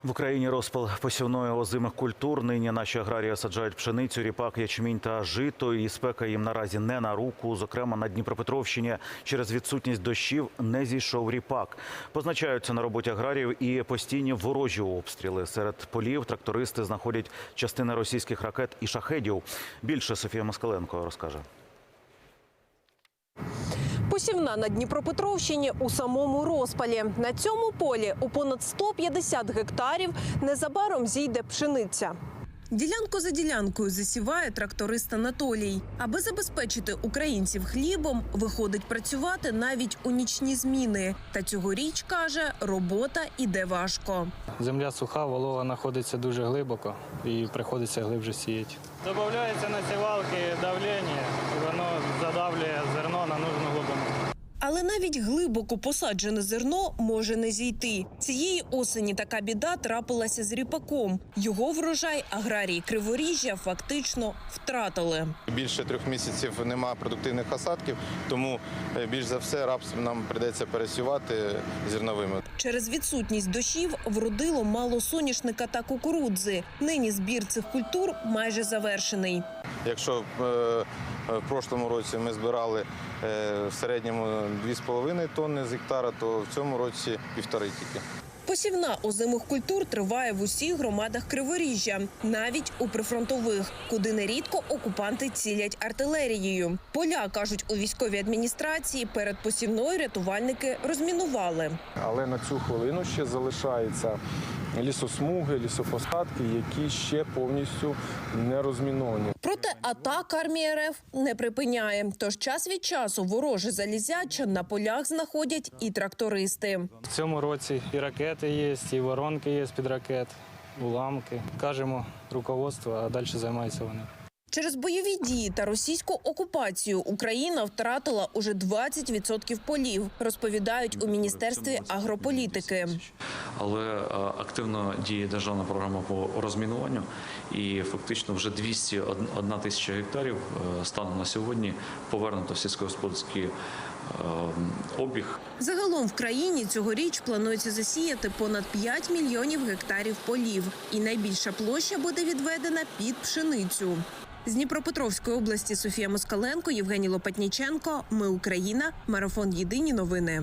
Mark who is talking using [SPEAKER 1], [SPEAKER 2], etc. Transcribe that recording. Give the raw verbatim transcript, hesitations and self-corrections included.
[SPEAKER 1] В Україні розпал посівної озимих культур. Нині наші аграрії саджають пшеницю, ріпак, ячмінь та жито. І спека їм наразі не на руку. Зокрема, на Дніпропетровщині через відсутність дощів не зійшов ріпак. Позначаються на роботі аграріїв і постійні ворожі обстріли. Серед полів трактористи знаходять частини російських ракет і шахедів. Більше Софія Москаленко розкаже.
[SPEAKER 2] Посівна на Дніпропетровщині у самому розпалі. На цьому полі у понад сто п'ятдесят гектарів незабаром зійде пшениця. Ділянку за ділянкою засіває тракторист Анатолій. Аби забезпечити українців хлібом, виходить працювати навіть у нічні зміни. Та цьогоріч, каже, робота іде важко.
[SPEAKER 3] Земля суха, волога знаходиться дуже глибоко і приходиться глибше сіяти. Додається на сівалки давлення, і воно задавлює зерно на нужну глибину.
[SPEAKER 2] Але навіть глибоко посаджене зерно може не зійти. Цієї осені така біда трапилася з ріпаком. Його врожай аграрії Криворіжжя фактично втратили.
[SPEAKER 4] Більше трьох місяців немає продуктивних осадків, тому більш за все рапс нам прийдеться пересівати зерновими.
[SPEAKER 2] Через відсутність дощів вродило мало соняшника та кукурудзи. Нині збір цих культур майже завершений.
[SPEAKER 4] Якщо в прошлому році ми збирали в середньому дві з половиною тонни з гектара, то в цьому році півтори тільки.
[SPEAKER 2] Посівна озимих культур триває в усіх громадах Криворіжжя, навіть у прифронтових, куди нерідко окупанти цілять артилерією. Поля, кажуть у військовій адміністрації, перед посівною рятувальники розмінували.
[SPEAKER 5] Але на цю хвилину ще залишаються лісосмуги, лісопосадки, які ще повністю не розміновані.
[SPEAKER 2] Проте атак армії РФ не припиняє. Тож час від часу вороже залізяча на полях знаходять і трактористи.
[SPEAKER 3] В цьому році і ракети є, і воронки є з-під ракет, уламки. Кажемо руководство, а далі займаються вони.
[SPEAKER 2] Через бойові дії та російську окупацію Україна втратила уже двадцять відсотків полів, розповідають у Міністерстві агрополітики.
[SPEAKER 6] Але активно діє державна програма по розмінуванню і фактично вже двісті одна тисяча гектарів станом на сьогодні повернуто в сільськогосподарський обіг.
[SPEAKER 2] Загалом в країні цьогоріч планується засіяти понад п'ять мільйонів гектарів полів. І найбільша площа буде відведена під пшеницю. З Дніпропетровської області Софія Москаленко, Євгеній Лопатніченко. Ми Україна. Марафон «Єдині новини».